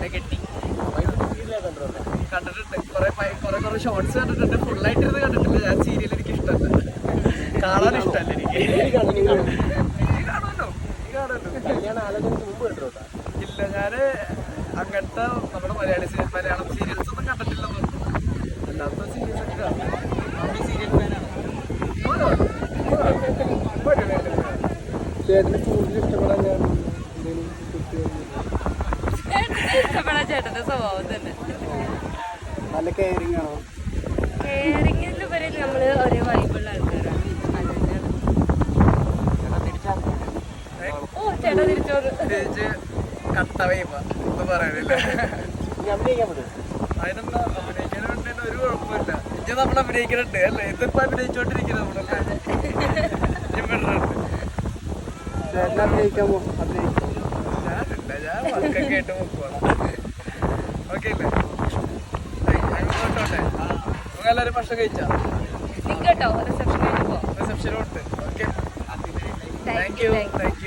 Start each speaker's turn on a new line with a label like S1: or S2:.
S1: എന്നെ കെട്ടി കണ്ടിട്ടുണ്ട്. കുറെ ഷോർട്സ് കണ്ടിട്ടുണ്ട്. ഫുള്ളായിട്ടിരുന്ന് കണ്ടിട്ടില്ല. ഞാൻ സീരിയൽ എനിക്ക് ഇഷ്ടമല്ല, കാണാൻ ഇഷ്ടമല്ല എനിക്ക്. ഇല്ല, ഞാന് അങ്ങനത്തെ നമ്മുടെ മലയാളം സീരിയൽസ് ഒന്നും കണ്ടിട്ടില്ലെന്ന് പറഞ്ഞു. അല്ലാത്ത സീരിയൽസ് ഒക്കെ കാണും. ചേട്ടന് കൂടുതൽ ഇഷ്ടപ്പെടാൻ ഞാൻ
S2: ഇഷ്ടപ്പെടാൻ ചേട്ടന്റെ സ്വഭാവം തന്നെ.
S1: നല്ല കെയറിങ് ആണോ?
S2: കെയറിങ്ങിന് ഉപരി നമ്മള് ഒരേ വൈബുള്ള ആൾക്കാരാണ്. ഓ ചേട്ടാ തിരിച്ചോറ്
S1: കട്ട വൈബ ഒന്നും പറയാനില്ല. അതിനെന്താ അഭിനയിക്കാൻ വേണ്ടി ഒരു കുഴപ്പമില്ല. ഇത് നമ്മൾ അഭിനയിക്കുന്നുണ്ട് അല്ലേ? ഇതിപ്പോ അഭിനയിച്ചോണ്ടിരിക്കുന്നത് നമ്മളല്ലേ. ഞാനില്ല, ഞാൻ വർക്കൊക്കെ ആയിട്ട് നോക്കുവാണ്. ഓക്കെ അല്ലേ? അങ്ങോട്ടോട്ടെ. നമുക്ക് എല്ലാവരും ഭക്ഷണം കഴിച്ചാ
S2: കേട്ടോ റിസപ്ഷൻ കഴിഞ്ഞപ്പോ
S1: റിസപ്ഷനും ഉണ്ട്. Okay,
S2: thank U.